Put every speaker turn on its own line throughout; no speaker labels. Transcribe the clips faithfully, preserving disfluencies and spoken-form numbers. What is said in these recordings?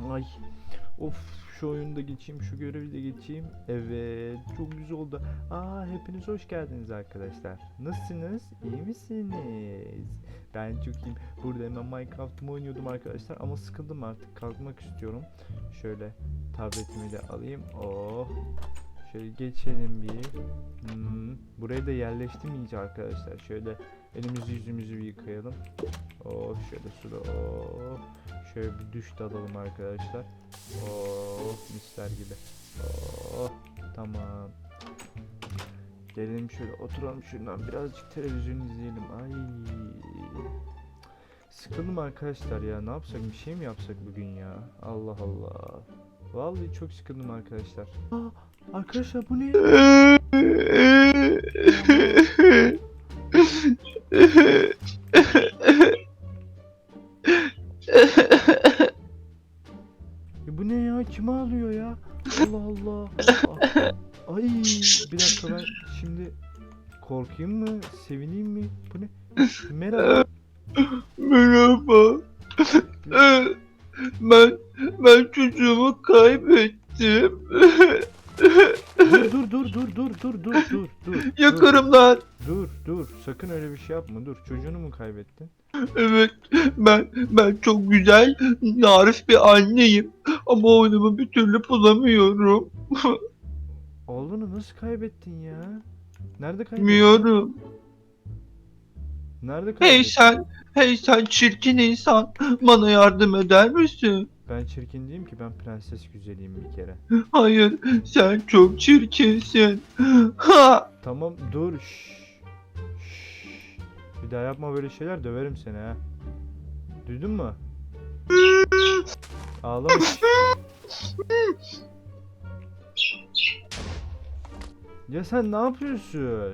Ay. Of, şu oyunu da geçeyim, şu görevi de geçeyim. Evet, çok güzel oldu. Aa, hepiniz hoş geldiniz arkadaşlar. Nasılsınız? İyi misiniz? Ben çok iyiyim. Burada hemen Minecraft'ımı oynuyordum arkadaşlar ama sıkıldım artık. Kalkmak istiyorum. Şöyle tabletimi de alayım. Oh. Şöyle geçelim bir. Hmm, buraya da yerleştim iyice arkadaşlar. Şöyle elimizi yüzümüzü bir yıkayalım. Oh, şöyle suda. Oh. Şöyle bir duş da alalım arkadaşlar. Oh, misler gibi. Oh, tamam. Gelelim şöyle oturalım şuradan birazcık televizyon izleyelim. Ay. Sıkıldım arkadaşlar ya. Ne yapsak, bir şey mi yapsak bugün ya? Allah Allah. Vallahi çok sıkıldım arkadaşlar. Aa, arkadaşlar bu ne? Ya bu ne ya? Kim ağlıyor ya? Allah Allah. Aa, ay, bir dakika, ben şimdi korkayım mı? Sevineyim mi? Bu ne? Merhaba.
Merhaba. Ben ben çocuğumu kaybettim.
Dur dur dur dur dur dur dur dur dur.
Yakarım lan.
Dur dur. Sakın öyle bir şey yapma. Dur. Çocuğunu mu kaybettin?
Evet, ben ben çok güzel, narif bir anneyim. Ama oğlumu bir türlü bulamıyorum.
Oğlunu nasıl kaybettin ya? Nerede kaybettin?
Bilmiyorum.
Nerede
Hey
kaybettin?
sen, hey sen çirkin insan. Bana yardım eder misin?
Ben çirkin değilim ki, ben prenses güzeliyim bir kere.
Hayır, sen çok çirkinsin. Ha!
Tamam dur. Şşş. Şşş. Bir daha yapma böyle şeyler, döverim seni ha. Duydun mu? Ağlama. Ya sen ne yapıyorsun?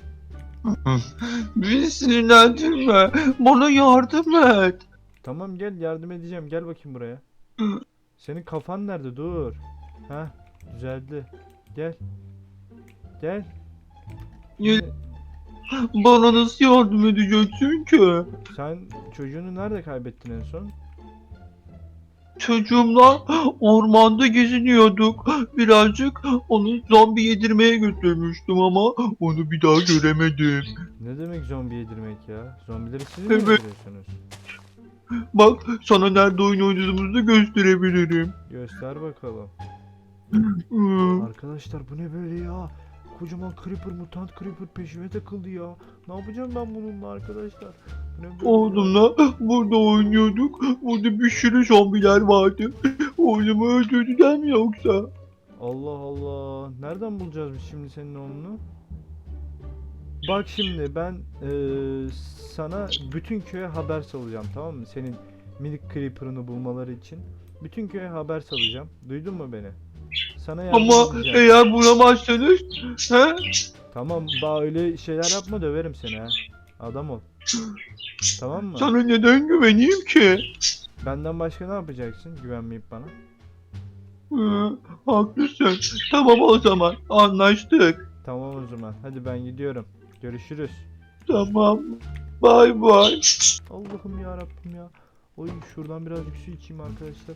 Beni sinirlendirme. Bana yardım et.
Tamam gel, yardım edeceğim. Gel bakayım buraya. Senin kafan nerede? Dur. Ha, düzeldi. Gel. Gel.
Ya-
Yine-
Bana nasıl yardım edeceksin ki?
Sen çocuğunu nerede kaybettin en son?
Çocuğumla ormanda geziniyorduk. Birazcık onu zombi yedirmeye götürmüştüm ama onu bir daha göremedim.
Ne demek zombi yedirmek ya? Zombileri siz mi
Evet.
yediriyorsunuz?
Bak sana nerede oyun oynadığımızı da gösterebilirim.
Göster bakalım.
Hmm.
Arkadaşlar bu ne böyle ya? Kocaman creeper, mutant creeper peşime takıldı ya. Ne yapacağım ben bununla arkadaşlar? Bu ne böyle ya?
Oğlumla burada oynuyorduk. Burada bir sürü zombiler vardı. Oğlumu öldürdüler mi yoksa?
Allah Allah. Nereden bulacağız biz şimdi senin oğlunu? Bak şimdi ben eee, sana bütün köye haber salacağım, tamam mı? Senin minik creeper'ını bulmaları için. Bütün köye haber salacağım. Duydun mu beni? Sana yardım
Ama
edeceğim.
eğer bulamazsanız he?
Tamam, daha öyle şeyler yapma, döverim seni ha. Adam ol. Tamam mı?
Sana neden güveneyim ki?
Benden başka ne yapacaksın güvenmeyip bana?
Hı, haklısın. Tamam o zaman anlaştık.
Tamam o zaman. Hadi ben gidiyorum. Görüşürüz.
Tamam. Bay bay.
Allah'ım ya Rabbim ya. Oy, şuradan birazcık su içeyim arkadaşlar.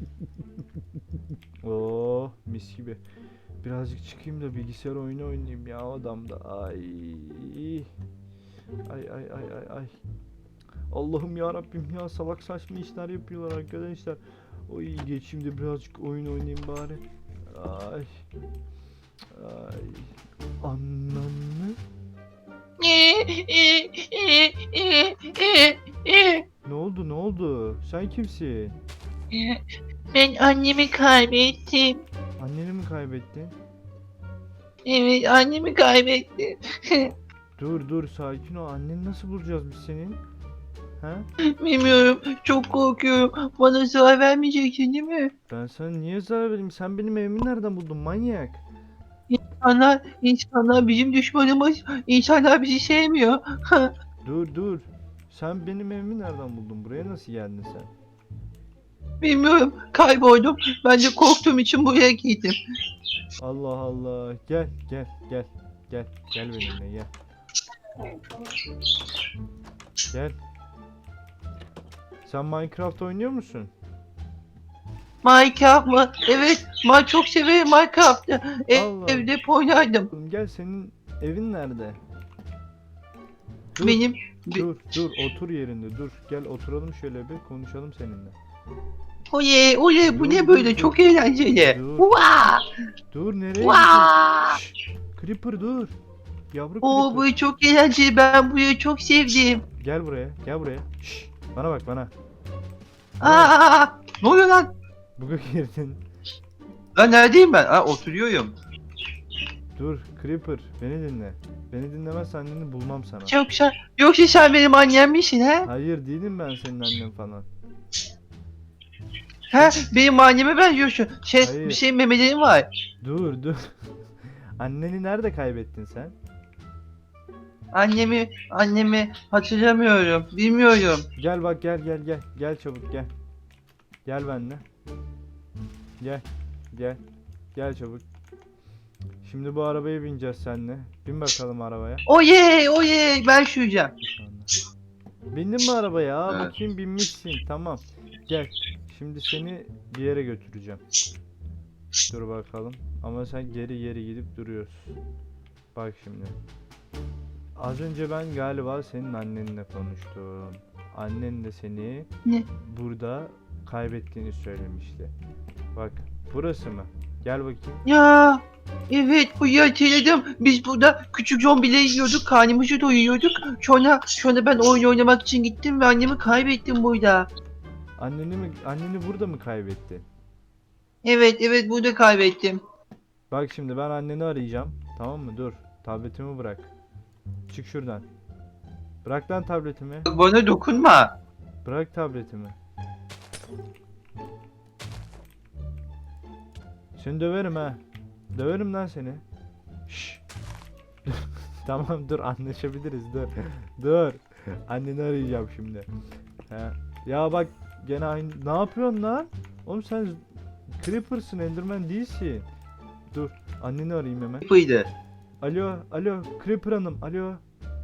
Oo, mis gibi. Birazcık çıkayım da bilgisayar oyunu oynayayım ya adamda. Ay. Ay ay ay ay ay. Allah'ım ya Rabbim ya, salak saçma işler yapıyorlar arkadaşlar. Oy, geçeyim de birazcık oyun oynayayım bari. Ay. Ay. Ananı. Ne oldu, ne oldu? Sen kimsin?
Ben annemi kaybettim.
Anneni mi kaybettin?
Evet, annemi kaybettim.
Dur dur, sakin ol. Anneni nasıl bulacağız biz senin? Ha?
Bilmiyorum, çok korkuyorum. Bana zarar vermeyeceksin değil mi?
Ben sana niye zarar vereyim? Sen benim evimi nereden buldun manyak?
İnsanlar, insanlar bizim düşmanımız. İnsanlar bizi sevmiyor.
Dur dur. Sen benim evimi nereden buldun? Buraya nasıl geldin sen?
Bilmiyorum, kayboldum. Ben de korktuğum için buraya gittim.
Allah Allah. Gel gel gel. Gel gel benimle gel. Gel. Sen Minecraft oynuyor musun?
Minecraft mı? Evet, ben çok severim Minecraft'ı. Ev,
Allah.
evde hep oynardım.
Oğlum gel, senin evin nerede? Dur,
Benim bi-
dur, dur, otur yerinde, dur. Gel oturalım şöyle bir konuşalım seninle.
oley oley bu
Dur,
ne
dur,
böyle
dur.
çok eğlenceli.
Dur.
Vaa!
Dur, nereye
Vaa!
gidiyorsun? Şşş, Creeper dur. Yavru
Oo
Creeper.
bu çok eğlenceli, ben burayı çok sevdim.
Gel buraya, gel buraya. Şşş, bana bak bana.
Aa! Ne oluyor lan?
Buga girdin.
Lan neredeyim ben? Aa oturuyorum.
Dur Creeper, beni dinle. Beni dinlemezsen anneni bulmam sana.
Yoksa, yoksa sen benim annem misin ha?
Hayır, değilim ben senin annen falan.
Ha benim anneme benziyorsun. Şey,
Hayır.
bir şey memelerim var.
Dur, dur. Anneni nerede kaybettin sen?
Annemi, annemi hatırlamıyorum. Bilmiyorum.
Gel bak, gel gel gel. Gel çabuk gel. Gel benimle. Gel. Gel. Gel çabuk. Şimdi bu arabaya bineceğiz seninle. Bin bakalım arabaya.
Oye oye ben süreceğim.
Şu anda. Bindin mi arabaya? Aa,
Evet.
bakayım binmişsin. Tamam. Gel. Şimdi seni bir yere götüreceğim. Dur bakalım. Ama sen geri geri gidip duruyorsun. Bak şimdi. Az önce ben galiba senin annenle konuştum. Annen de seni
Ne?
burada kaybettiğini söylemişti. Bak, burası mı? Gel bakayım.
Ya evet bu hatırladım. Biz burada küçük zombileri yiyorduk, karnımızı doyuruyorduk. Sonra sonra ben oyun oynamak için gittim ve annemi kaybettim burada.
Anneni mi, anneni burada mı kaybetti?
Evet evet burada kaybettim.
Bak şimdi ben anneni arayacağım. Tamam mı? Dur. Tabletimi bırak. Çık şuradan. Bırak lan tabletimi.
Bana dokunma.
Bırak tabletimi. Seni döverim ha. Döverim lan seni. Şşş. Tamam, dur, anlaşabiliriz, dur. Dur. Anneni arayacağım şimdi. Ha. Ya bak, gene aynı. Ne yapıyorsun lan? Oğlum sen Creeper'sın, Enderman değilsin. Dur. Anneni arayayım hemen.
Buydu.
Alo, alo, Creeper Hanım, alo.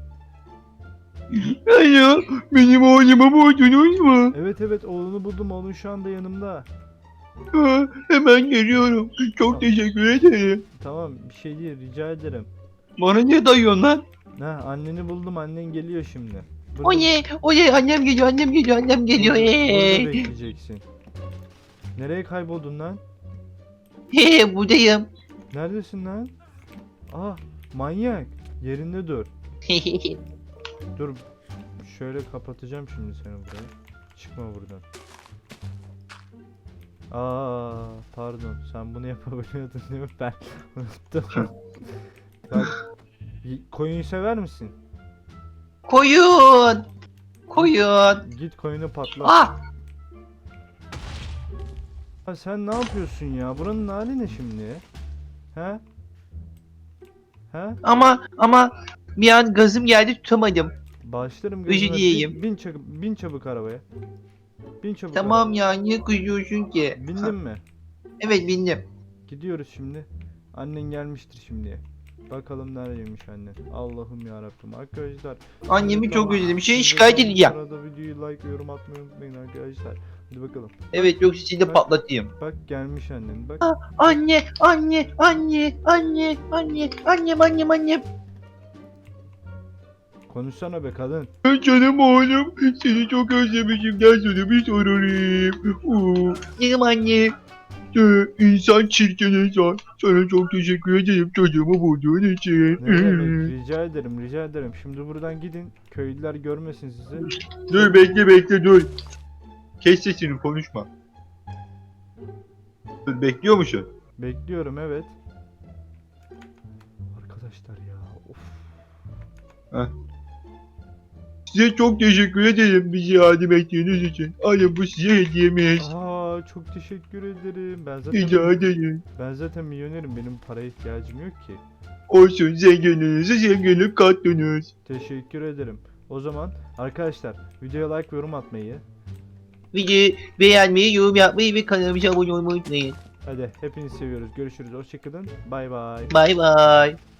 Alo, benim oğlumu buldunuz mu?
Evet evet, oğlunu buldum, oğlun şu anda yanımda.
Ha, hemen geliyorum. Çok teşekkür ederim.
Tamam, bir şey değil, rica ederim.
Bana ne dayıyorsun lan?
Ha, anneni buldum, annen geliyor şimdi. Burada-
Oye oye annem geliyor annem geliyor annem geliyor.
Burada, burada
Hey.
bekleyeceksin. Nereye kayboldun lan?
He buradayım.
Neredesin lan? Aa, manyak. Yerinde dur. Dur. Şöyle kapatacağım şimdi seni buraya. Çıkma buradan. Aa, pardon. Sen bunu yapabiliyordun değil mi? Ben unuttum. Bak, y- koyun sever misin?
Koyun. Koyun.
Git koyunu patlat.
Ah
Ya sen ne yapıyorsun ya? Buranın hali ne şimdi? He? He?
ama ama bir an gazım geldi tutamadım.
Başlarım
Özür
gözüne.
dileyeyim.
Bin, bin, çabuk, bin çabuk arabaya. Bin çabuk
Tamam
arabaya.
ya niye kızıyorsun ki?
Bindin mi?
Evet bindim.
Gidiyoruz şimdi. Annen gelmiştir şimdi. Bakalım neredeymiş annen. Allah'ım ya Rabbim arkadaşlar.
Annemi
Evet,
çok
tamam.
özledim. Şey
Siz de
şikayet
son
edeceğim.
Sırada videoyu like ve yorum atmayı unutmayın arkadaşlar. Hadi bakalım.
Evet yoksa seni de
Bak.
patlatayım.
Bak gelmiş annen. Bak.
Anne, anne, anne, anne, anne, annem, annem, annem.
Konuşsana be kadın.
Canım oğlum, seni çok özlemişim. Gel sana bir sorayım. Oo,
Canım anne.
e, insan çirkin insan. Sana çok teşekkür ederim çocuğumu bulduğun için.
Ne demek? Rica ederim, rica ederim. Şimdi buradan gidin. Köylüler görmesin sizi.
Dur bekle bekle dur. Kes sesini konuşma. Dur bekliyor musun?
Bekliyorum, evet. Arkadaşlar ya. Of.
Size çok teşekkür ederim bizi yardım ettiğiniz için. Alın bu size hediyemiz.
Aa, çok teşekkür ederim. Ben zaten
Rica ederim.
ben zaten milyonerim. Benim paraya ihtiyacım yok ki.
Olsun zenginliğinizi zenginlik kattınız.
Teşekkür ederim. O zaman arkadaşlar videoya like ve yorum atmayı.
Videoyu beğenmeyi, yorum yapmayı ve kanalımıza abone olmayı unutmayın.
Hadi hepinizi seviyoruz. Görüşürüz. Hoşçakalın. Bay bay.
Bay bay.